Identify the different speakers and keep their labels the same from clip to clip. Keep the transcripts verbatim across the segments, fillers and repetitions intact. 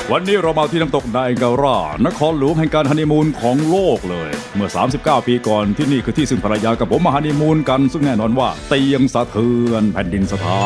Speaker 1: วันนี้เรามาที่น้ำตกไนแองการานครหลวงแห่งการฮันนีมูนของโลกเลยเมื่อสามสิบเก้าปีก่อนที่นี่คือที่ซึ่งภรรยากับผมมาฮันนีมูนกันซึ่งแน่นอนว่าเตียงสะเทือนแผ่นดินสถาน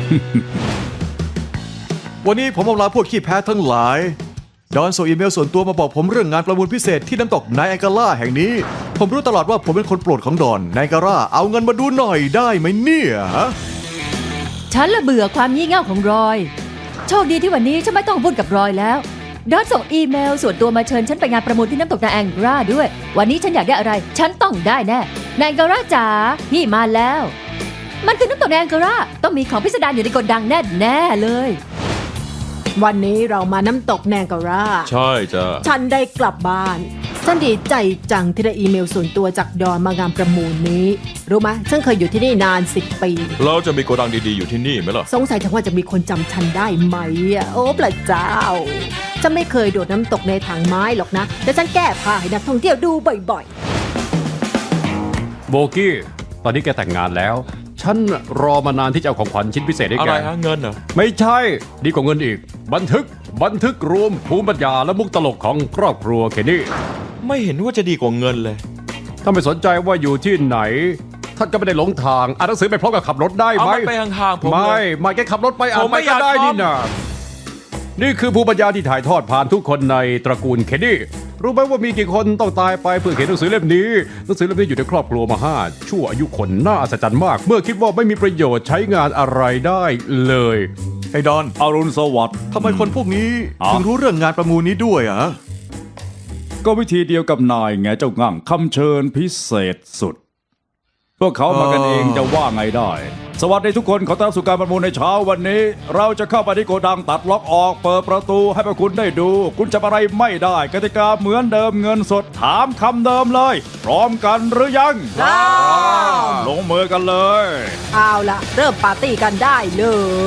Speaker 2: วันนี้ผมเอาลาพวกขี้แพ้ทั้งหลายดอนส่งอีเมลส่วนตัวมาบอกผมเรื่องงานประมูลพิเศษที่น้ำตกไนแองการาแห่งนี้ผมรู้ตลอดว่าผมเป็นคนโปรดของดอนไนแองการาเอาเงินมาดูหน่อยได้ไหมเนี่ยฮะ
Speaker 3: ฉันละเบื่อความงี่เง่าของรอยโชคดีที่วันนี้ฉันไม่ต้องวุ่นกับรอยแล้วดอนส่งอีเมลส่วนตัวมาเชิญฉันไปงานประมูลที่น้ำตกไนแองการาด้วยวันนี้ฉันอยากได้อะไรฉันต้องได้แน่ไนแองการาจ๋าพี่มาแล้ว มันคือน้ำตกไนแองการาต้องมีของพิสดารอยู่ในโกดังแน่แน่ๆเลย
Speaker 4: วันนี้เรามาน้ำตกแนงการา
Speaker 5: ใช่จ้ะ
Speaker 4: ฉันได้กลับบ้านฉันดีใจจังที่ได้อีเมลส่วนตัวจากดอนมางานประมูลนี้รู้ไหมฉันเคยอยู่ที่นี่นานสิบปี
Speaker 5: เราจะมีโกดังดีๆอยู่ที่นี่ไหมล่ะ
Speaker 4: สงสัยจังว่าจะมีคนจำฉันได้ไหมอะโอ้พระเจ้าฉันไม่เคยโดดน้ำตกในถังไม้หรอกนะแต่ฉันแก้ผ้าให้นักท่องเที่ยวดูบ่อย
Speaker 6: โบกี้ตอนนี้แกแต่งงานแล้วฉันรอมานานที่จะเอาของขวัญชิ้นพิเศษให้
Speaker 5: อะ
Speaker 6: แก
Speaker 5: ไรฮะเงินเหรอ
Speaker 6: ไม่ใช่ดีกว่าเงินอีก บันทึก บันทึกรวมภูมิปัญญาและมุกตลกของครอบครัวเคนนี่
Speaker 5: ไม่เห็นว่าจะดีกว่าเงินเลย
Speaker 6: ถ้าไม่สนใจว่าอยู่ที่ไหน ท่านก็ไม่ได้หลงทางอ่านหนังสือไปพร้อมกับขับรถได้
Speaker 5: เอา
Speaker 6: ไหม
Speaker 5: มันไปห่างๆผม
Speaker 6: ไม่
Speaker 5: เลย
Speaker 6: ไม่แกขับรถไปอ่า
Speaker 5: ผ
Speaker 6: น
Speaker 5: ม
Speaker 6: ไป
Speaker 5: ไม่อ
Speaker 6: ก็
Speaker 5: ยาก
Speaker 6: ได้
Speaker 5: ทำ
Speaker 6: นี่นะนี่คือภูมิปัญญาที่ถ่ายทอดผ่านทุกคนในตระกูลเคนนี่รู้ไหมว่ามีกี่คนต้องตายไปเพื่อเขียนหนังสือเล่มนี้หนังสือเล่มนี้อยู่ในครอบครัวมาห้าชั่วอายุคนน่าอัศจรรย์มาก เมื่อคิดว่าไม่มีประโยชน์ใช้งานอะไรได้เลย
Speaker 2: ไอ้ดอน
Speaker 1: อรุณสวัสดิ์
Speaker 2: ทำไมคนพวกนี้
Speaker 1: อ๋อ
Speaker 2: ถึงรู้เรื่องงานประมูลนี้ด้วยอะ
Speaker 1: ก็วิธีเดียวกับนายไงเจ้างั่งคำเชิญพิเศษสุด พวกเขามากันเองจะว่าไงได้ สวัสดีทุกคนขอต้อนรับสู่การประมูลในเช้าวันนี้ เราจะเข้าไปที่โกดังตัดล็อกออกเปิดประตูให้พวกคุณได้ดู คุณจะอะไรไม่ได้กติกาเหมือนเดิมเงินสดถามคำเดิมเลย พร้อมกันหรือยังลงมือกันเลย
Speaker 4: ๆเอาละเริ่มปาร์ตี้กันได้เลย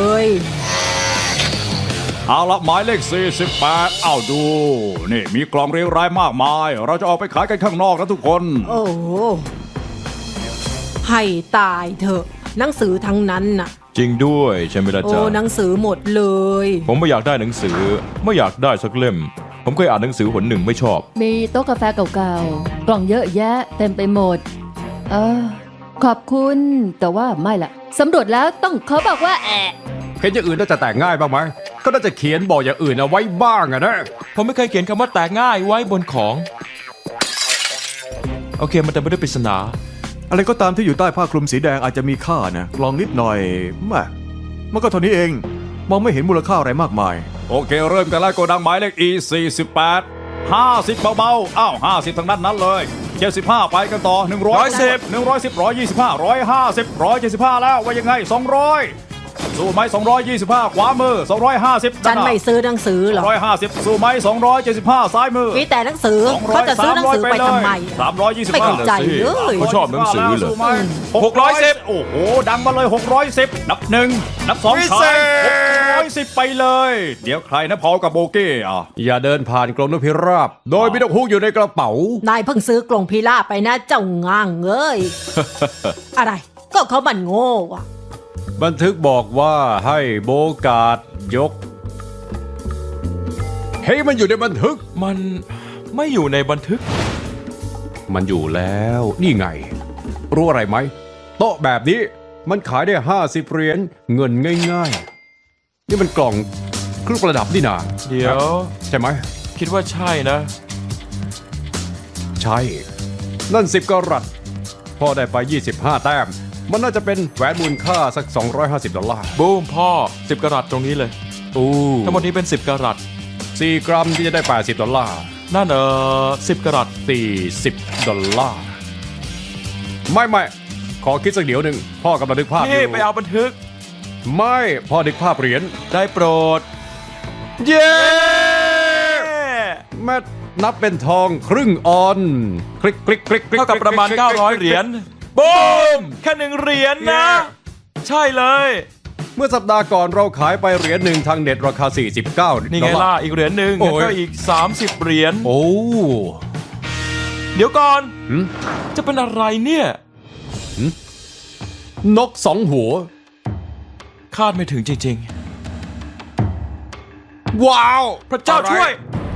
Speaker 1: เอาละหมายเลขสี่สิบแปดเอาดู นี่มีกล่องเรียงรายมากมาย เราจะออกไปขายกันข้างนอกนะทุกคน
Speaker 4: โอ้โหให้ตายเถอะหนังสือทั้งนั้นน่ะ
Speaker 5: จริงด้วยใช่ไหมล่ะ
Speaker 4: โอ้
Speaker 5: จ๊ะ
Speaker 4: หนังสือหมดเลย
Speaker 5: ผมไม่อยากได้หนังสือ ไม่อยากได้สักเล่ม ผมเคยอ่านหนังสือหนหนึ่งไม่ชอบ
Speaker 3: มีโต๊ะกาแฟเก่าๆกล่องเยอะแยะเต็มไปหมดเออขอบคุณแต่ว่าไม่ละสำรวจแล้วต้องขอบอกว่าแอะ
Speaker 6: เห็นอย่างอื่นน่าจะแต่งง่ายบ้างไหมก็น่าจะเขียนบอกอย่างอื่นเอาไว้บ้างอะนะ
Speaker 5: ผมไม่เคยเขียนคำว่าแตกง่ายไว้บนของ โอเคมันแต่ไม่ได้ปริศนา
Speaker 2: อะไรก็ตามที่อยู่ใต้ผ้าคลุมสีแดงอาจจะมีค่านะลองนิดหน่อยแม่มันก็เท่านี้เองมองไม่เห็นมูลค่าอะไรมากมาย
Speaker 1: โอเคเริ่มกันแล้วโกดังหมายเลข อี สี่สิบแปด ห้าสิบเบาๆอ้าวห้าสิบทั้งนั้นนั้นเลยเจ็ดสิบห้าไปกันต่อหนึ่งร้อย
Speaker 5: สิบ
Speaker 1: หนึ่งร้อยสิบร้อยยี่สิบห้าร้อยห้าสิบร้อยเจ็ดสิบห้าแล้วว่ายังไงสองร้อยสู้ไหมสองร้อยยี่สิบห้าขวามือสองร้อยห้าสิบ
Speaker 4: ฉันไม่ซื้อหนังสือหรอก
Speaker 1: ร้อยห้าสิบสู้ไหมสองร้อยเจ็ดสิบห้าซ้ายมือ
Speaker 4: มีแต่หนังสือเขาจะซื้อหนังสือไปทำไม
Speaker 1: สามร้อยยี่สิบ
Speaker 4: ไม่
Speaker 1: ห้า
Speaker 4: เข้าใจเลย
Speaker 5: เขาชอบหนังสือเลย
Speaker 1: หกร้อยสิบโอ้โหดังมาเลยหกร้อยสิบนับหนึ่งนับสอง
Speaker 5: พิ
Speaker 1: ขา
Speaker 5: เศ
Speaker 1: ย
Speaker 5: ษ
Speaker 1: หกร้อยสิบไปเลย เดี๋ยวใครนะพอกับโบเก้อ่ะ
Speaker 6: อย่าเดินผ่านกรงนกพิราบ โดยมีนกฮูกอยู่ในกระเป๋า
Speaker 4: นายเพิ่งซื้อกลงพิล่าบไปนะเจ้าง่างเอ้ย อะไร ก็เขามันโง่อะ
Speaker 6: บันทึกบอกว่าให้โบกาดยก เฮ้ยมันอยู่ในบันทึก
Speaker 5: มันไม่อยู่ในบันทึก
Speaker 6: มันอยู่แล้ว นี่ไง รู้อะไรไหม โต๊ะแบบนี้มันขายได้ห้าสิบเหรียญเงินง่ายๆ นี่มันกล่องเครื่องประดับนี่นา
Speaker 5: เดี๋ยว
Speaker 6: ใช่ไหม
Speaker 5: คิดว่าใช่นะ
Speaker 6: ใช่ นั่นสิบกะรัตพอได้ไปยี่สิบห้าแต้ม มันน่าจะเป็นแหวนมูลค่าสักสองร้อยห้าสิบดอลลาร์
Speaker 5: บูมพ่อสิบกะรัตตรงนี้เลย
Speaker 6: อู้
Speaker 5: ทั้งหมดนี้เป็นสิบกะรัต
Speaker 6: สี่กรัมที่จะได้แปดสิบดอลลาร์
Speaker 5: นั่นเออสิบกะรัต
Speaker 6: สี่สิบดอลลาร์ ไม่ไม่ขอคิดสักเดี๋ยวหนึ่งพ่อกำลังนึกภาพอ
Speaker 5: นี่
Speaker 6: ยู่
Speaker 5: ไปเอาบันทึก
Speaker 6: ไม่พ่อนึกภาพเหรียญ
Speaker 5: ได้โปรด
Speaker 6: เย้แม่นับเป็นทองครึ่งออนคลิกคลิกคลิกคลิก
Speaker 5: เท่ากับประมาณ เก้าร้อย เหรียญบูมแค่หนึ่งเหรียญนะ ใช่เลย
Speaker 6: เมื่อสัปดาห์ก่อนเราขายไปเหรียญหนึ่งทางเน็ตราคาสี่สิบเก้า
Speaker 5: นี่
Speaker 6: ด
Speaker 5: ไง
Speaker 6: อลลา
Speaker 5: ล่ะ
Speaker 6: ร์
Speaker 5: อีกเหรียญหนึ่ง
Speaker 6: โอ้ย
Speaker 5: แล้วก็อีกสามสิบเหรียญ
Speaker 6: โอ้
Speaker 5: เดี๋ยวก่อน
Speaker 6: หืม
Speaker 5: จะเป็นอะไรเนี่ย
Speaker 6: นกสองหัว
Speaker 5: คาดไม่ถึงจริง
Speaker 6: ว้าว
Speaker 5: พระเจ้าช่วย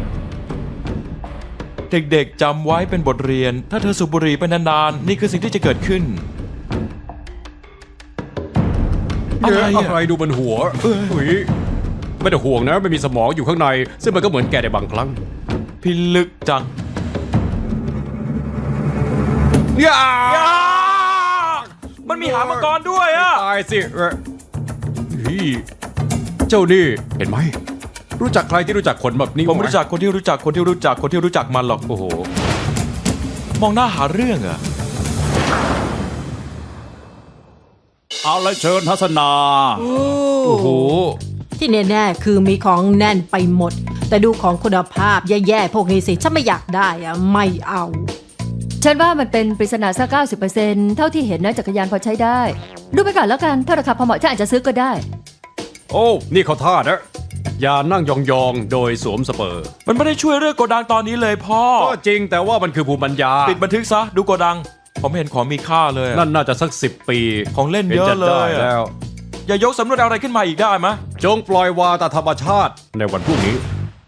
Speaker 5: เด็กๆจำไว้เป็นบทเรียน ถ้าเธอสูบบุหรี่ไปนานๆ นี่คือสิ่งที่จะเกิดขึ้น อะไร
Speaker 6: อะ
Speaker 5: อะ
Speaker 6: ไรดูบนหัวอุ้ยไม่ต้องห่วงนะไม่มีสมองอยู่ข้างใน ซึ่งมันก็เหมือนแกในบางครั้ง
Speaker 5: พิลึกจัง
Speaker 6: อย่า
Speaker 5: อ้ามันมีหางมังกรด้วยอะ
Speaker 6: ตายสิเอ้ยเฮ้ยเจ้านี่เห็นไหม รู้จักใครที่รู้จักคนแบบนี้
Speaker 5: ผม
Speaker 6: ไห
Speaker 5: รู้จักคนที่รู้จักคนที่รู้จักคนที่รู้จักมันหรอก
Speaker 6: โอ้โห
Speaker 5: มองหน้าหาเรื่องอะ
Speaker 1: เอาละเชิญทัศนา
Speaker 6: โอ้โห
Speaker 4: ที่แน่ๆคือมีของแน่นไปหมด แต่ดูของคุณภาพแย่ๆพวกนี้สิฉันไม่อยากได้อะไม่เอา
Speaker 3: ฉันว่ามันเป็นปริศนาสักเก้าสิบเปอร์เซ็นต์เท่าที่เห็นนะจักรยานพอใช้ได้ ดูไปก่อนแล้วกัน ถ้าราคาพอเหมาะฉันอาจจะซื้อก็ได้
Speaker 6: โอ้ นี่เขาท่านะ อย่านั่งยองๆ โดยสวมสเปอร์
Speaker 5: มันไม่ได้ช่วยเรื่องโกดังตอนนี้เลยพ่อ
Speaker 6: ก็จริงแต่ว่ามันคือภูมิปัญญา
Speaker 5: ปิดบันทึกซะ ดูโกดัง ผมเห็นของมีค่าเลยอะ
Speaker 6: นั่นน่าจะสักสิบปี
Speaker 5: ของเล่นเยอะ
Speaker 6: ห็จ
Speaker 5: เลย
Speaker 6: ได้
Speaker 5: อะ
Speaker 6: แล้ว
Speaker 5: อย่ายกสำรวจอะไรขึ้นมาอีกได้ไหม
Speaker 6: จงปล่อยวาตามธรรมชาติในวันพรุ่งนี้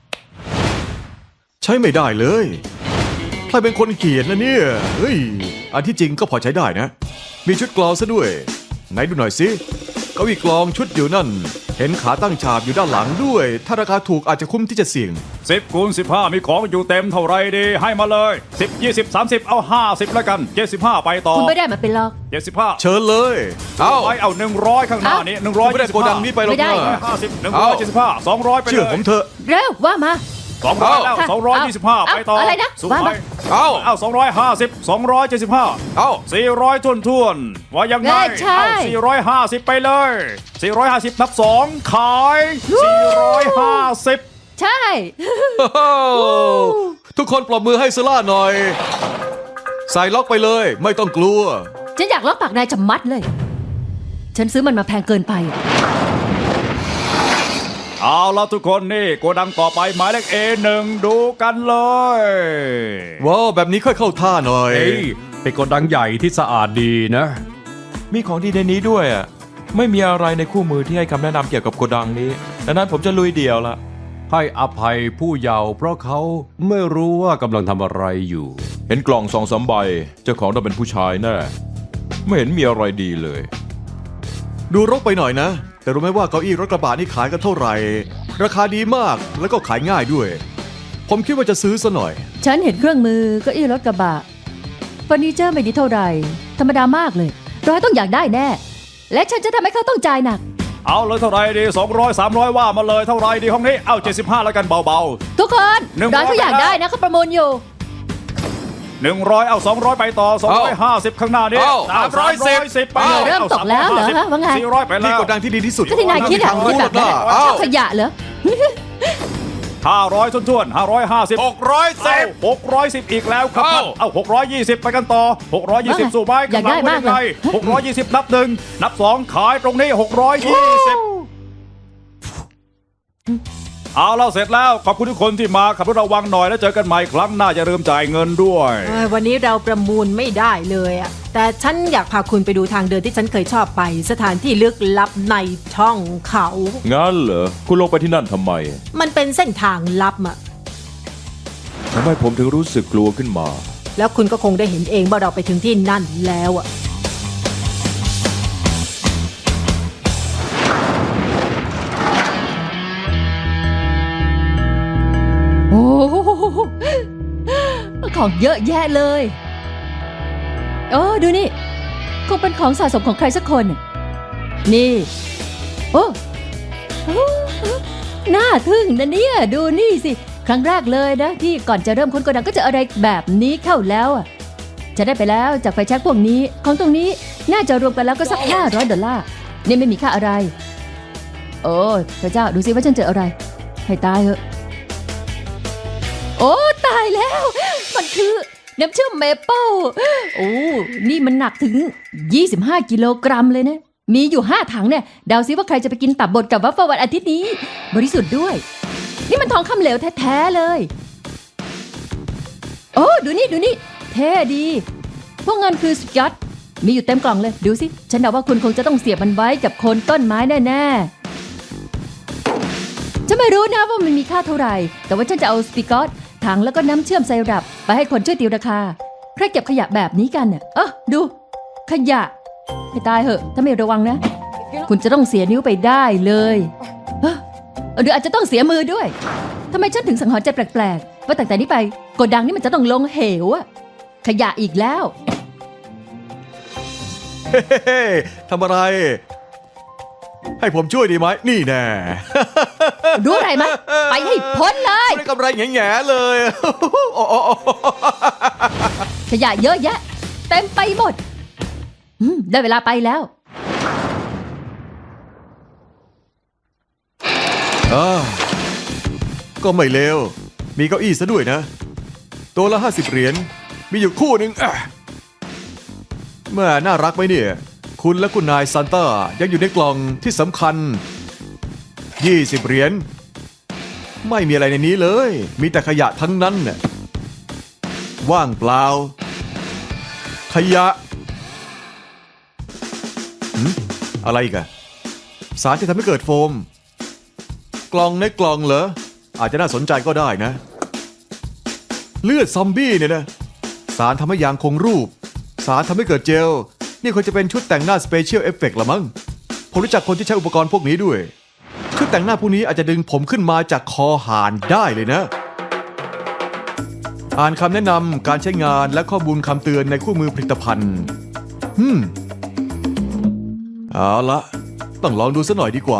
Speaker 2: ใช้ไม่ได้เลยใครเป็นคนเขียนนะเนี่ยเฮ้ยอันที่จริงก็พอใช้ได้นะ มีชุดกลองซะด้วย ไหนดูหน่อยสิเก้าอี้กลองชุดอยู่นั่น เห็นขาตั้งฉากอยู่ด้านหลังด้วย ถ้าราคาถูกอาจจะคุ้มที่จะเสี่ยง
Speaker 1: สิบคูณสิบห้ามีของอยู่เต็มเท่าไรดี ให้มาเลยสิบ ยี่สิบ สามสิบเอาห้าสิบแล้วกันเจ็ดสิบห้าไปต่อ
Speaker 3: คุณไม่ได้มาเป็นหรอก
Speaker 1: เจ็ดสิบห้า
Speaker 2: เชิญเลย เอา
Speaker 1: ไปเอาหนึ่งร้อยข้างหน้านี้หนึ่งร้อย
Speaker 2: ไม่ได้โกดังนี้ไปหรอก
Speaker 3: ไม่ได้
Speaker 2: นะ
Speaker 1: ห้าสิบหนึ่งร้อยเจ็ดสิบห้าสองร้อยไปเลย
Speaker 2: เชื่อผมเถอะ
Speaker 3: เร็วว่ามา
Speaker 1: สองร้อยแล้ว
Speaker 3: ค่ะ
Speaker 1: สองร้อยยี่สิบห้า
Speaker 3: เอา
Speaker 1: ไปต่อ
Speaker 3: อะไรนะ
Speaker 1: สู้
Speaker 3: ว่า
Speaker 1: ไป
Speaker 3: มา
Speaker 2: เอา
Speaker 1: เอาสองร้อยห้าสิบสองร้อยเจ็ดสิบห้า
Speaker 2: เอา
Speaker 1: สี่ร้อยทุ่นทุ่นๆว่ายังไง
Speaker 3: เอ้ยใช่
Speaker 1: เอาสี่ร้อยห้าสิบไปเลยสี่ร้อยห้าสิบนับสองขายสี่ร้อยห้าสิบ
Speaker 3: ใช่
Speaker 2: ทุกคนปรบมือให้ซล่าหน่อย ใส่ล็อกไปเลย ไม่ต้องกลัว
Speaker 3: ฉันอยากล็อกปากนายจะมัดเลย ฉันซื้อมันมาแพงเกินไป
Speaker 1: เอาละทุกคนนี่โกดังต่อไปหมายเลข เอ หนึ่งดูกันเลย
Speaker 2: ว้าวแบบนี้ค่อยเข้าท่าหน่อย
Speaker 6: เอ้ยเป็นโกดังใหญ่ที่สะอาดดีนะ
Speaker 5: มีของดีในนี้ด้วยอะไม่มีอะไรในคู่มือที่ให้คำแนะนำเกี่ยวกับโกดังนี้ ดังนั้นผมจะลุยเดี่ยวละ
Speaker 6: ให้อภัยผู้เยาว์เพราะเขาไม่รู้ว่ากำลังทำอะไรอยู่
Speaker 5: เห็นกล่องสองสามใบ เจ้าของต้องเป็นผู้ชายแน่ ไม่เห็นมีอะไรดีเลย
Speaker 2: ดูรกไปหน่อยนะ แต่รู้ไหมว่าเก้าอี้รถกระบะนี่ขายกันเท่าไหร่ ราคาดีมากแล้วก็ขายง่ายด้วย ผมคิดว่าจะซื้อซะหน่อย
Speaker 3: ฉันเห็นเครื่องมือเก็อี้รถกระบะเฟอร์นิเจอร์ไม่ดีเท่าไหร่ ธรรมดามากเลย ร้อยต้องอยากได้แน่ และฉันจะทำให้เขาต้องจ่ายหนัก
Speaker 1: เอาเลยเท่าไรดีสองร้อยสามร้อยว่ามาเลยเท่าไรดีห้องนี้เอาเจ็ดสิบห้าแล้วกันเบา
Speaker 3: ทุกคน
Speaker 1: หนึ่งร้
Speaker 3: ร้
Speaker 1: อ
Speaker 3: อย ยเขาอยากได้นะเขาประมูลอยู่
Speaker 1: ๆหนึ่งร้อยเอาสองร้อยไปต่อสองร้อยห้าสิบข้างหน้านี้
Speaker 2: เอา
Speaker 1: สามร้อยสิบไปเลย
Speaker 3: เริ่มตกแล้วเหรอฮะว่าไง
Speaker 1: สี่ร้อยไป
Speaker 2: นี่
Speaker 1: แล้ว
Speaker 2: โกดังที่ดีที่สุด
Speaker 3: ก็ที่นายคิดอะ
Speaker 2: ทาง
Speaker 3: คิ
Speaker 2: รู้
Speaker 3: ด
Speaker 2: ห
Speaker 3: แบ
Speaker 2: รอบ ก
Speaker 3: นั้
Speaker 2: นะ
Speaker 3: น
Speaker 2: เอา
Speaker 3: ขยะเหรอ
Speaker 1: ห้าร้อยทุ่นๆห้าร้อยห้าสิบ
Speaker 5: หกร้อยสิบ
Speaker 1: หกร้อยสิบอีกแล้วครับ
Speaker 5: เอา
Speaker 1: เอาหกร้อยยี่สิบไปกันต่อหกร้อยยี่สิบ
Speaker 3: ว่าไง
Speaker 1: สู่ไม้
Speaker 3: อยากได้มากเลย
Speaker 1: หกร้อยยี่สิบนับหนึ่งนับสองขายตรงนี้หกร้อยยี่สิบเอาแล้วเสร็จแล้วขอบคุณทุกคนที่มาขับรถระวังหน่อยแล้วเจอกันใหม่ครั้งหน้าจะเริ่มจ่ายเงินด้วย
Speaker 4: เอ้ยวันนี้เราประมูลไม่ได้เลยอะแต่ฉันอยากพาคุณไปดูทางเดินที่ฉันเคยชอบไป สถานที่ลึกลับในช่องเขา
Speaker 5: งั้นเหรอ คุณลงไปที่นั่นทำไม
Speaker 4: มันเป็นเส้นทางลับอะ
Speaker 5: ทำไมผมถึงรู้สึกกลัวขึ้นมา
Speaker 4: แล้วคุณก็คงได้เห็นเองว่าเราไปถึงที่นั่นแล้วอะ
Speaker 3: โอ้โหของเยอะแยะเลยโอ้ดูนี่คงเป็นของสะสมของใครสักคน นี่ โอ้โอ้น่าทึ่งนะเนี่ย ดูนี่สิ ครั้งแรกเลยนะ ที่ก่อนจะเริ่มค้นโกดังก็เจะอะไรแบบนี้เข้าแล้วอ่ะ จะได้ไปแล้วจากไฟแช็กพวกนี้ ของตรงนี้น่าจะรวมกันแล้วก็สักห้าร้อยดอลลาร์นี่ไม่มีค่าอะไร โอ้พระเจ้าดูสิว่าฉันเจออะไร ให้ตายเถอะ โอ้ตายแล้ว มันคือน้ำเชื่อมเมเปิลโอ้นี่มันหนักถึงยี่สิบห้ากิโลกรัมเลยนะ มีอยู่ห้าถังเนี่ยเดาซิว่าใครจะไปกินตับบดกับวัฟเฟิลวันอาทิตย์นี้ บริสุทธิ์ด้วย นี่มันทองคำเหลวแท้ๆเลย โอ้ดูนี่ดูนี่เท่ดี พวกเงินคือสุดยอดมีอยู่เต็มกล่องเลย ดูสิ ฉันเดาว่าคุณคงจะต้องเสียบมันไว้กับโคนต้นไม้แน่ๆฉันไม่รู้นะว่ามันมีค่าเท่าไหร่ แต่ว่าฉันจะเอาสปิกอตถังแล้วก็น้ำเชื่อมไซรัปไปให้คนช่วยตีราคาใครเก็บขยะแบบนี้กันเนี่ยเออดู ขยะให้ตายเหอะถ้าไม่ระวังนะ คุณจะต้องเสียนิ้วไปได้เลยเอ้อหรืออาจจะต้องเสียมือด้วยทำไมฉันถึงสังหรณ์ใจแปลกๆว่าตั้งแต่นี้ไปโกดังนี่มันจะต้องลงเหวอะขยะอีกแล้ว
Speaker 2: เฮ้ทำอะไร ให้ผมช่วยดีไหมนี่แน่
Speaker 3: รู้อะไรไหมไปให้พ้นเลย
Speaker 2: ได้กำไรแง่ๆเลย โอ้โอ้โอ้
Speaker 3: ขยะเยอะแยะ เต็มไปหมดอืมได้เวลาไปแล้ว
Speaker 2: อ่าก็ไม่เลวมีเก้าอี้ซะด้วยนะ ตัวละห้าสิบเหรียญมีอยู่คู่หนึ่งอ่ะเมื่อน่ารักไหมเนี่ย คุณและคุณนายซานต้ายังอยู่ในกล่องที่สำคัญยี่สิบเหรียญไม่มีอะไรในนี้เลย มีแต่ขยะทั้งนั้นน่ะว่างเปล่า ขยะหืมอะไรอีกอะสารที่ทำให้เกิดโฟม กล่องในกล่องเหรอ อาจจะน่าสนใจก็ได้นะ เลือดซอมบี้เนี่ยนะ สารทำให้ยางคงรูป สารทำให้เกิดเจล นี่ควรจะเป็นชุดแต่งหน้าสเปเชียลเอฟเฟกต์ละมั้ง ผมรู้จักคนที่ใช้อุปกรณ์พวกนี้ด้วย ชุดแต่งหน้าพวกนี้อาจจะดึงผมขึ้นมาจากคอห่านได้เลยนะ อ่านคำแนะนำการใช้งานและข้อมูลคำเตือนในคู่มือผลิตภัณฑ์ฮึมเอาละต้องลองดูสักหน่อยดีกว่า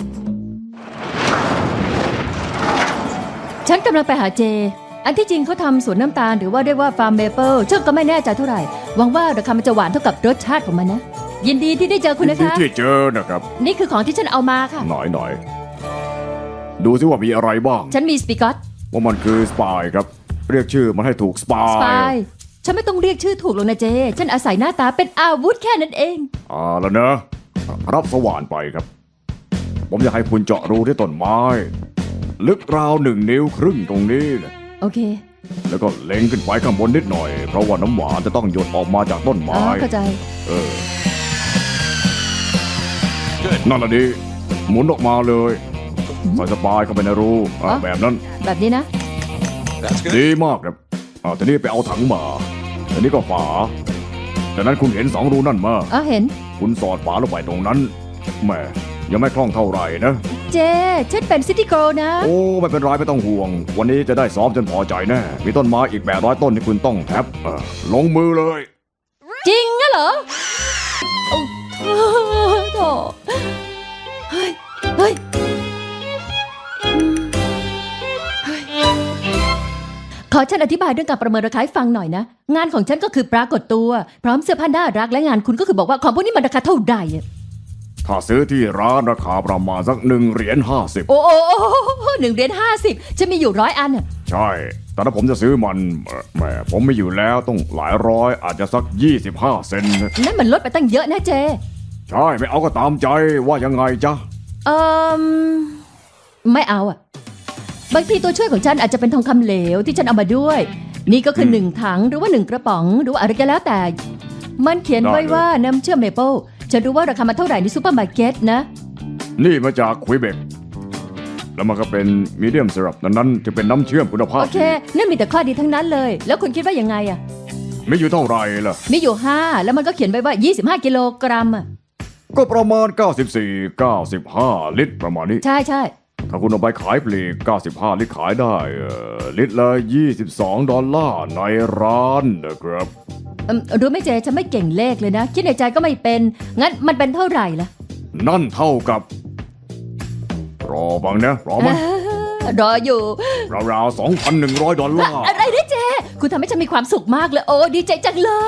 Speaker 3: ฉันกำลังไปหาเจ อันที่จริงเขาทำสวนน้ำตาลหรือว่าเรียกว่าฟาร์มเมเปิลฉันก็ไม่แน่ใจเท่าไหร่ หวังว่าราคามันจะหวานเท่ากับรสชาติของมันนะ ยินดีที่ได้เจอคุณนะคะ
Speaker 1: ที่เจอนะครับ
Speaker 3: นี่คือของที่ฉันเอามาค่ะ
Speaker 1: หน่อยหน่อยดูซิว่ามีอะไรบ้าง
Speaker 3: ฉันมีสปิกอต
Speaker 1: ว่ามันคือสปายครับ เรียกชื่อมันให้ถูกสปา
Speaker 3: สปาย ยฉันไม่ต้องเรียกชื่อถูกหรอกนะเจ ฉันอาศัยหน้าตาเป็นอาวุธแค่นั้นเอง
Speaker 1: อ่าแล้วนะ รับสว่านไปครับ ผมอยากให้คุณเจาะรูที่ต้นไม้ ลึกราวหนึ่งนิ้วครึ่งตรงนี้นะ
Speaker 3: โอเค
Speaker 1: แล้วก็เล็งขึ้นไปข้างบนนิดหน่อย เพราะว่าน้ำหวานจะต้องหยดออกมาจากต้น
Speaker 3: อ๋อ
Speaker 1: ไม้
Speaker 3: เข้าใจ
Speaker 1: เออ นั่นแหละดีหมุนออกมาเลยใส่สปายเข้าไปในรูอ่ะ
Speaker 3: อ๋อ
Speaker 1: แบบนั้น
Speaker 3: แบบนี้นะ
Speaker 1: ดีมากครับอ่าทีนี้ไปเอาถังมาทีนี้ก็ฝาจากนั้นคุณเห็นสองรูนั่นมา
Speaker 3: อ๋อเห็น
Speaker 1: คุณสอดฝาลงไปตรงนั้นแหม่ยังไม่คล่องเท่าไหร่นะ
Speaker 3: เจ ฉันเป็นซิตี้โกลนะ
Speaker 1: โอ้ไม่เป็นไรไม่ต้องห่วง วันนี้จะได้ซ้อมจนพอใจแน่มีต้นไม้อีกแปดร้อยต้นที่คุณต้องแท็บเออลงมือเลย
Speaker 3: จริงอะเหรอโอ้โถเฮ้ย เฮ้ยอืมเฮ้ย ขอฉันอธิบายเรื่องการประเมินราคาให้ฟังหน่อยนะ งานของฉันก็คือปรากฏตัว พร้อมเสื้อผ้าน่ารักและงานคุณก็คือบอกว่าของพวกนี้มันราคาเท่าไหร่อะ
Speaker 1: ถ้าซื้อที่ร้านราคาประมาณสักหนึ่งเหรียญห้าสิบ
Speaker 3: โอ้โอ้โอ้โอ้หนึ่งเหรียญห้าสิบฉันมีอยู่ร้อยอันอะ
Speaker 1: ใช่ แต่ถ้าผมจะซื้อมันเอ่อแหมผมไม่อยู่แล้วต้องหลายร้อยอาจจะสักยี่สิบห้าเซนต์
Speaker 3: นั่นมันลดไปตั้งเยอะนะเจ
Speaker 1: ใช่ไม่เอาก็ตามใจว่ายังไงจ๊ะ
Speaker 3: เอ่มไม่เอาอะบางทีตัวช่วยของฉันอาจจะเป็นทองคำเหลวที่ฉันเอามาด้วย นี่ก็คือหนึ่งถังหรือว่าหนึ่งกระป๋องหรือว่าอะไรก็แล้วแต่ มันเขียนไว้ว่าน้ำเชื่อมเมเปิลฉันรู้ว่าราคามันเท่าไหร่ในซูเปอร์มาร์เก็ตนะ
Speaker 1: นี่มาจากควิเบกแล้วมันก็เป็นมีเดียมสรับนั้นนั้นจะเป็นน้ำเชื่อมคุณภาพ
Speaker 3: โอเค นั่นมีแต่ข้อดีทั้งนั้นเลย แล้วคุณคิดว่ายังไงอะ
Speaker 1: ไม่อยู่เท่าไหร่ล่ะ
Speaker 3: มีอยู่ห้าแล้วมันก็เขียนไว้ว่ายี่สิบห้ากิโลกรัมอะ
Speaker 1: ก็ประมาณ เก้าสิบสี่ เก้าสิบห้า ลิตรประมาณนี้
Speaker 3: ใช่ใช่
Speaker 1: ถ้าคุณเอาไปขายปลีก เก้าสิบห้า ลิตรขายได้เอ่อลิตรละยี่สิบสองดอลลาร์ในร้านนะครับ
Speaker 3: เอิ่มรู้ไหมเจฉันไม่เก่งเลขเลยนะ คิดในใจก็ไม่เป็น งั้นมันเป็นเท่าไหร่ล่ะ
Speaker 1: นั่นเท่ากับ รอบังนะรอมัน
Speaker 3: รออยู่
Speaker 1: ราวๆสองพันหนึ่งร้อยดอลลาร์
Speaker 3: อะไรนะเจ คุณทำให้ฉันมีความสุขมากเลย โอ้ดีใจจังเลย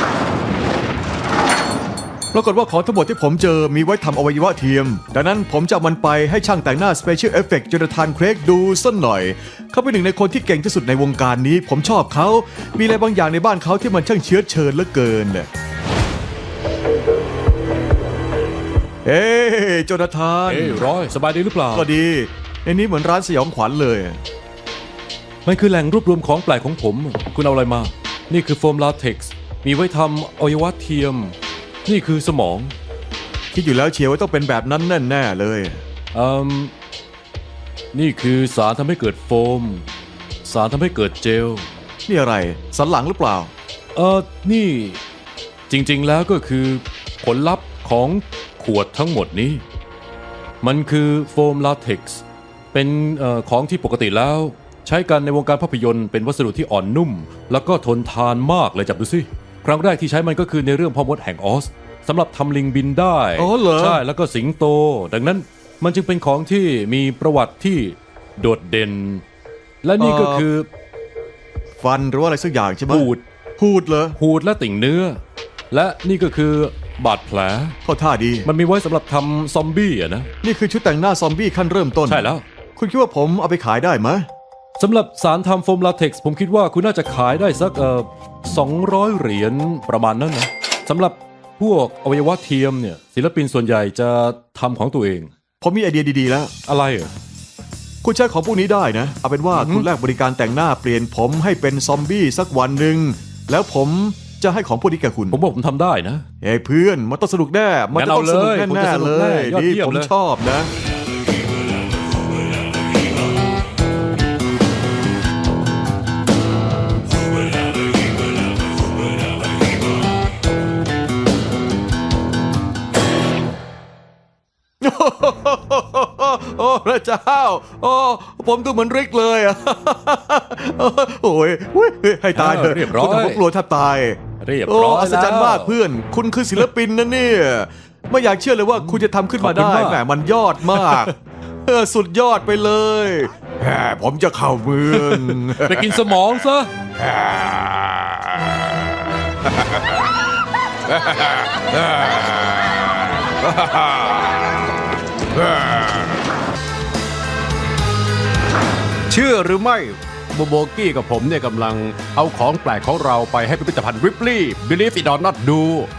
Speaker 2: ปรากฏว่าของทั้งหมดที่ผมเจอมีไว้ทำอวัยวะเทียม ดังนั้นผมจะเอามันไปให้ช่างแต่งหน้า Special Effect โจนาธานเครกดูสักหน่อย เขาเป็นหนึ่งในคนที่เก่งที่สุดในวงการนี้ ผมชอบเขา มีอะไรบางอย่างในบ้านเขาที่มันช่างเชื้อเชิญเหลือเกินน่ะเอ้โจนาธาน
Speaker 7: เอ้ยร้อยสบายดีหรือเปล่า
Speaker 2: ก็ดี ในนี้เหมือนร้านสยองขวัญเลย
Speaker 7: มันคือแหล่งรวบรวมของแปลกของผม คุณเอาอะไรมา นี่คือโฟมลาเท็กซ์ มีไว้ทำอวัยวะเทียม นี่คือสมอง
Speaker 2: คิดอยู่แล้วเชียวว่าต้องเป็นแบบนั้นแน่ๆเลย
Speaker 7: เอ่มนี่คือสารทำให้เกิดโฟม สารทำให้เกิดเจล
Speaker 2: นี่อะไร สันหลังหรือเปล่า
Speaker 7: เออนี่จริงๆแล้วก็คือผลลัพธ์ของขวดทั้งหมดนี้ มันคือโฟมลาเท็กซ์เป็นเออของที่ปกติแล้วใช้กันในวงการภาพยนตร์เป็นวัสดุที่อ่อนนุ่ม แล้วก็ทนทานมากเลยจับดูสิ ครั้งแรกที่ใช้มันก็คือในเรื่องพ่อมดแห่งออสสำหรับทำลิงบินได้
Speaker 2: อ๋อเหรอ
Speaker 7: ใช่แล้วก็สิงโต ดังนั้นมันจึงเป็นของที่มีประวัติที่โดดเด่น และนี่ก็คือ
Speaker 2: ฟันหรือว่าอะไรสักอย่างใช่ไหม
Speaker 7: หูด
Speaker 2: หูดเหรอ
Speaker 7: หูดและติ่งเนื้อ และนี่ก็คือบาดแผล
Speaker 2: เข้าท่าดี
Speaker 7: มันมีไว้สำหรับทำซอมบี้อะนะ
Speaker 2: นี่คือชุดแต่งหน้าซอมบี้ขั้นเริ่มต้น
Speaker 7: ใช่แล้ว
Speaker 2: คุณคิดว่าผมเอาไปขายได้ไหม
Speaker 7: สำหรับสารทำโฟมลาเท็กซ์ผมคิดว่าคุณน่าจะขายได้สักเอ่อสองร้อยเหรียญประมาณนั้นนะสำหรับพวกอวัยวะเทียมเนี่ยศิลปินส่วนใหญ่จะทำของตัวเอง
Speaker 2: ผมมีไอเดียดีๆแล้ว
Speaker 7: อะไรเหรอ
Speaker 2: คุณใช้ของพวกนี้ได้นะ เอาเป็นว่าคุณแลกบริการแต่งหน้าเปลี่ยนผมให้เป็นซอมบี้สักวันหนึ่งแล้วผมจะให้ของพวกนี้แก่คุณ
Speaker 7: ผมบอกผมทำได้นะ
Speaker 2: เฮ้ยเพื่อนมันต้องสนุกแน่ มันจะต้องสนุก
Speaker 7: งั้นเอาเลย
Speaker 2: แน่
Speaker 7: ผมจะส
Speaker 2: ๆ
Speaker 7: นุ
Speaker 2: เล
Speaker 7: กแน่
Speaker 2: ย
Speaker 7: ยอด
Speaker 2: ดี
Speaker 7: เยี่ยม
Speaker 2: ผม
Speaker 7: เลย
Speaker 2: ชอบนะ โอ้พระเจ้า โอ้ผมดูเหมือนริกเลยอะ โอ้ยเฮ้ยให้ตายเถอะ
Speaker 7: เรียบร้อย
Speaker 2: คุณทำผมกลัวแทบตาย
Speaker 7: เรียบ
Speaker 2: โอ้
Speaker 7: ร้อย
Speaker 2: อัศจรรย์
Speaker 7: แล้ว
Speaker 2: มากเพื่อน คุณคือศิลปินนะเนี่ย ไม่อยากเชื่อเลยว่าคุณจะทำขึ้นมา
Speaker 7: ขอบคุณ
Speaker 2: ได้
Speaker 7: มาก
Speaker 2: แหมมันยอดมาก เออสุดยอดไปเลยแหมผมจะเข้าเมือง
Speaker 7: ไปกินสมองซะ
Speaker 6: เชื่อหรือไม่โบโบกี้กับผมเนี่ยกำลังเอาของแปลกของเราไปให้พิพิธภัณฑ์ริปลีย์ Believe it or not ดู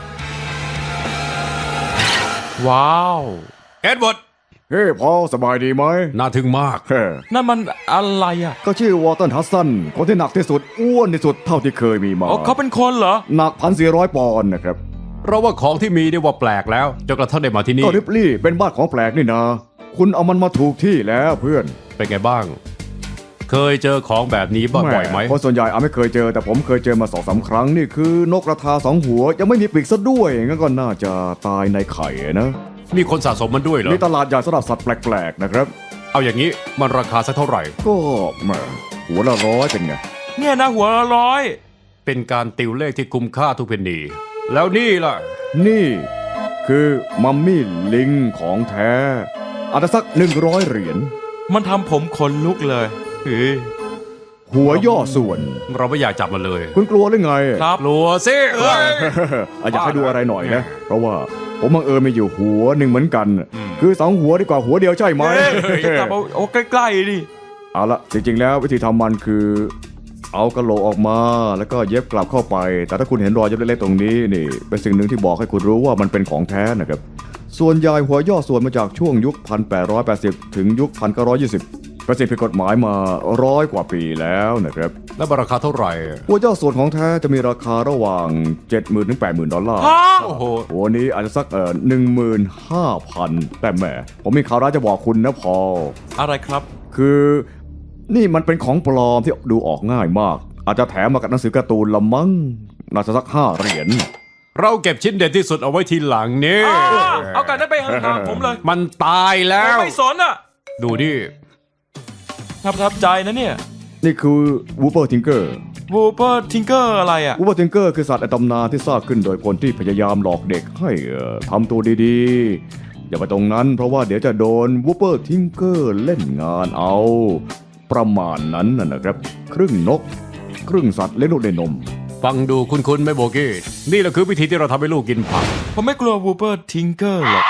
Speaker 5: ว้าว
Speaker 6: เอ็ดเวิร์ด
Speaker 1: เฮ้พอสบายดีไหม
Speaker 6: น่าทึ่งมาก
Speaker 1: เฮ้
Speaker 5: นั่นมันอะไรอ่ะ
Speaker 1: ก็ชื่อวอลตันฮัสซันคนที่หนักที่สุดอ้วนที่สุดเท่าที่เคยมีมา
Speaker 5: อ๋อเขาเป็นคนเหรอ
Speaker 1: หนักพันสี่ร้อยปอนด์นะครับ
Speaker 6: เราว่าของที่มีเนี่ยว่าแปลกแล้วจนกระทั่งได้มาที่นี่
Speaker 1: ก็ริปลี่เป็นบ้านของแปลกนี่นะ คุณเอามันมาถูกที่แล้วเพื่อน
Speaker 6: เป็นไงบ้าง เคยเจอของแบบนี้บ้างบ่อยไหม
Speaker 1: คนส่วนใหญ่อาไม่เคยเจอแต่ผมเคยเจอมาสองสามครั้งนี่คือนกกระทาสองหัว ยังไม่มีปีกซะด้วยงั้นก็น่าจะตายในไข่นะ
Speaker 6: มีคนสะสมมันด้วยเหรอ
Speaker 1: มีตลาดใหญ่สำหรับสัตว์แปลกๆนะครับ
Speaker 6: เอาอย่างนี้มันราคาสักเท่าไหร่
Speaker 1: ก็แหมหัวละร้อยเป็นไง
Speaker 5: เนี่ยนะหัวละร้อย
Speaker 6: เป็นการติวเลขที่คุ้มค่าทุกเพนนีแล้วนี่ล่ะ
Speaker 1: นี่คือมัมมี่ลิงของแท้อาจจะสักหนึ่งร้อยเหรียญ
Speaker 5: มันทำผมขนลุกเลยเฮ้ย
Speaker 1: หัวย่อส่วน
Speaker 6: เราไม่อยากจับมันเลย
Speaker 1: คุณกลัวหรือไง
Speaker 5: ครับ
Speaker 6: กลัวสิ
Speaker 1: อ่ะอยากให้ดูอะไรหน่อยนะ เพราะว่าผมบังเอิญมีอยู่หัวหนึ่งเหมือนกัน คือสองหัวดีกว่าหัวเดียวใช่ไหม
Speaker 5: เฮ้ยจับเอาเอาใกล้ๆดิ
Speaker 1: เอาละจริงๆแล้ววิธีทำมันคือ เอากระโหลกออกมาแล้วก็เย็บกลับเข้าไป แต่ถ้าคุณเห็นรอยเย็บเล็กๆตรงนี้นี่เป็นสิ่งหนึ่งที่บอกให้คุณรู้ว่ามันเป็นของแท้นะครับส่วนใหญ่หัวย่อส่วนมาจากช่วงยุค หนึ่งพันแปดร้อยแปดสิบ ถึงยุค หนึ่งพันเก้าร้อยยี่สิบ เป็นสิ่งผิดกฎหมายมาร้อยกว่าปีแล้วนะครับ
Speaker 6: แล้วราคาเท่าไหร่
Speaker 1: หัวย่อส่วนของแท้จะมีราคาระหว่าง เจ็ดหมื่น ถึง แปดหมื่น ดอลลาร์
Speaker 5: ฮะ
Speaker 6: โอ้โห
Speaker 1: หัวนี้อาจจะสักเอ่อหนึ่งหมื่นห้าพันแต่แหมผมมีข่าวร้ายจะบอกคุณนะพอล
Speaker 5: อะไรครับ
Speaker 1: คือนี่มันเป็นของปลอมที่ดูออกง่ายมาก อาจจะแถมมากับหนังสือการ์ตูนละมั้งน่าจะสักห้าเหรียญ
Speaker 6: เราเก็บชิ้นเด่นที่สุดเอาไว้ทีหลังนี่
Speaker 5: อ่าเอากันนั้นไปห่างๆผมเลย
Speaker 6: มันตายแล้ว
Speaker 5: ไม่สนอ่ะ
Speaker 6: ดูดิ
Speaker 5: ทับทับใจนะเนี่ย
Speaker 1: นี่คือวูเปอร์ทิงเกอร์
Speaker 5: วูเปอร์ทิงเกอร์อะไรอ่ะ
Speaker 1: วูเปอร์ทิงเกอร์คือสัตว์ในตำนานที่สร้างขึ้นโดยคนที่พยายามหลอกเด็กให้เอ่อทำตัวดีๆ อย่าไปตรงนั้นเพราะว่าเดี๋ยวจะโดนวูเปอร์ทิงเกอร์เล่นงานเอา ประมาณนั้นน่ะนะครับ ครึ่งนก ครึ่งสัตว์เลี้ยงลูกด้วยนม
Speaker 6: ฟังดูคุ้นๆไหม่โบกี้ นี่แหละคือวิธีที่เราทำให้ลูกกินผัก
Speaker 5: ผมไม่กลัววูเปอร์ทิงเกอร์หรอก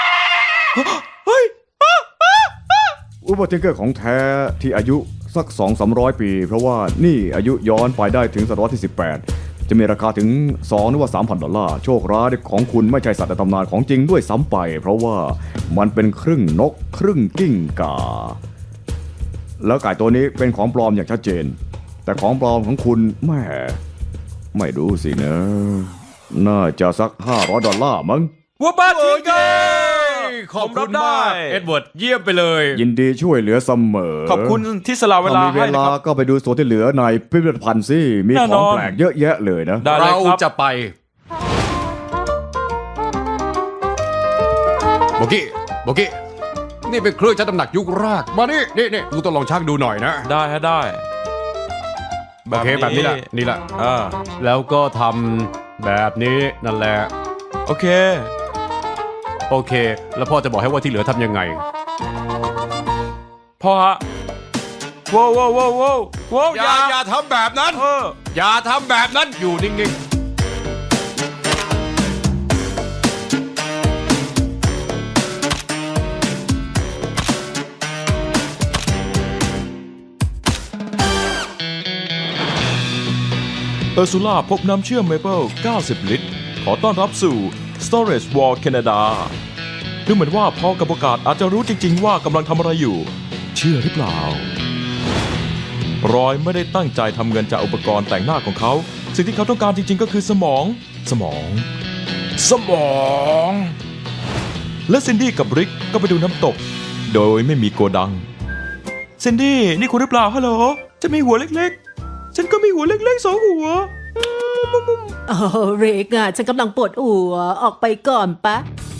Speaker 1: วูเปอร์ทิงเกอร์ของแท้ที่อายุสัก สองถึงสามร้อย ปี เพราะว่านี่อายุย้อนไปได้ถึงศตวรรษที่ สิบแปด จะมีราคาถึงสองหรือว่า สามพัน ดอลลาร์ โชคร้ายของคุณไม่ใช่สัตว์ในตำนานของจริงด้วยซ้ำไป เพราะว่ามันเป็นครึ่งนก ครึ่งกิ้งก่า แล้วไก่ตัวนี้เป็นของปลอมอย่างชัดเจน แต่ของปลอมของคุณแหม่ไม่รู้สินะ น่าจะสักห้าร้อยดอลลาร์มั้ง
Speaker 5: วูเปอร์ทิงเกอร์
Speaker 6: ขอบ
Speaker 5: ผมรั
Speaker 6: คุ
Speaker 5: บ
Speaker 6: ณ
Speaker 5: ได้
Speaker 6: มากเอ็ดเวิร์ดเยี่ยมไปเลย
Speaker 1: ยินดีช่วยเหลือเสมอ
Speaker 5: ขอบคุณที่สละเวลา
Speaker 1: ถ้ามีเว
Speaker 5: ให้นะ
Speaker 1: ลา
Speaker 5: ครับ
Speaker 1: ก็ไปดูส่วนที่เหลือในพิพิธภัณฑ์สิมี
Speaker 5: แน่
Speaker 1: ข
Speaker 5: น
Speaker 1: อง
Speaker 5: อน
Speaker 1: แปลกเยอะแยะเลยนะ
Speaker 5: ได้เลย
Speaker 6: เรา
Speaker 5: ครับ
Speaker 6: จะไปโบกี้โบกี้นี่เป็นเครื่องชั่งน้ำหนักยุคแรกมานี่นี่นี่ลูกต้องลองชั่งดูหน่อยนะ
Speaker 5: ได้ฮะได้
Speaker 6: โอเคแบบนี้แหละนี่แหละ
Speaker 5: อ่า
Speaker 6: แล้วก็ทำแบบนี้นั่นแหละ
Speaker 5: โอเค
Speaker 6: โอเค แล้วพ่อจะบอกให้ว่าที่เหลือทำยังไง
Speaker 5: พ่อฮะว้าวว้าวว้าวว้าวว้าว
Speaker 6: อย่าอย่าทำแบบนั้น
Speaker 5: เออ
Speaker 6: อย่าทำแบบนั้นอยู่นิ่ง
Speaker 5: เออร์ซูล่าพบน้ำเชื่อมเมเปิลเก้าสิบ ลิตร ขอต้อนรับสู่ Storage Wall Canada ดูเหมือนว่าพ่อกับโอกาสอาจจะรู้จริงๆว่ากำลังทำอะไรอยู่ เชื่อหรือเปล่า รอยไม่ได้ตั้งใจทำเงินจากอุปกรณ์แต่งหน้าของเขา สิ่งที่เขาต้องการจริงๆก็คือสมอง สมอง สมอง และซินดี้กับริกก็ไปดูน้ำตก โดยไม่มีโกดัง ซินดี้นี่คุณหรือเปล่าฮัลโหลฉันมีหัวเล็กๆ ฉันก็มีหัวเล็กๆสองหัว
Speaker 4: โอ้เรกอะฉันกำลังปวดหัวออกไปก่อนปะ